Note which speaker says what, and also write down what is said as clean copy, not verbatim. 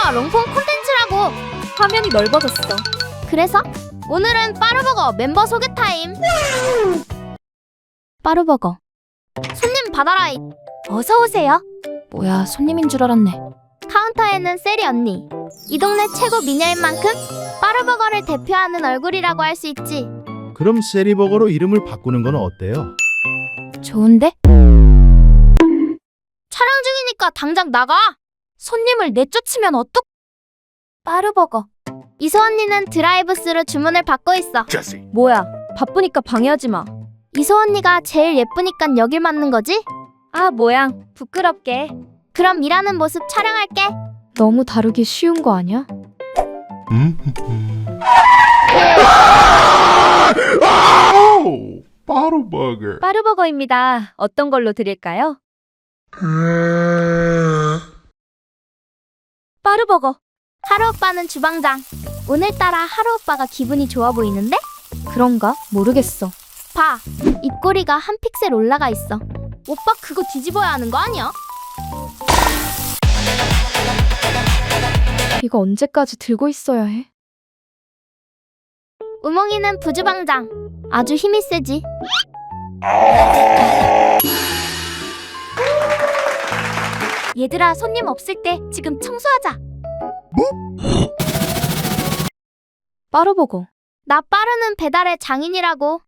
Speaker 1: 이거 롱폼 콘텐츠라고.
Speaker 2: 화면이 넓어졌어.
Speaker 1: 그래서 오늘은 빠르버거 멤버 소개 타임. 빠르버거 손님 받아라이.
Speaker 2: 어서 오세요. 뭐야, 손님인 줄 알았네.
Speaker 1: 카운터에는 세리 언니. 이 동네 최고 미녀인 만큼 빠르버거를 대표하는 얼굴이라고 할 수 있지.
Speaker 3: 그럼 세리버거로 이름을 바꾸는 건 어때요?
Speaker 2: 좋은데?
Speaker 1: 촬영 중이니까 당장 나가.
Speaker 2: 손님을 내쫓으면 어떡? 빠르버거.
Speaker 1: 이소 언니는 드라이브스루 주문을 받고 있어.
Speaker 2: 뭐야, 바쁘니까 방해하지 마.
Speaker 1: 이소 언니가 제일 예쁘니깐 여길 맞는 거지?
Speaker 2: 아, 모양 부끄럽게.
Speaker 1: 그럼 일하는 모습 촬영할게.
Speaker 2: 너무 다루기 쉬운 거 아니야?
Speaker 3: 빠르버거.
Speaker 2: 빠르버거입니다. 어떤 걸로 드릴까요? 빠르버거.
Speaker 1: 하루 오빠는 주방장. 오늘따라 하루 오빠가 기분이 좋아 보이는데?
Speaker 2: 그런가? 모르겠어.
Speaker 1: 봐, 입꼬리가 한 픽셀 올라가 있어. 오빠 그거 뒤집어야 하는 거 아니야?
Speaker 2: 이거 언제까지 들고 있어야 해?
Speaker 1: 우몽이는 부주방장. 아주 힘이 세지.
Speaker 2: 얘들아, 손님 없을 때 지금 청소하자. 빠르버거.
Speaker 1: 나 빠르는 배달의 장인이라고.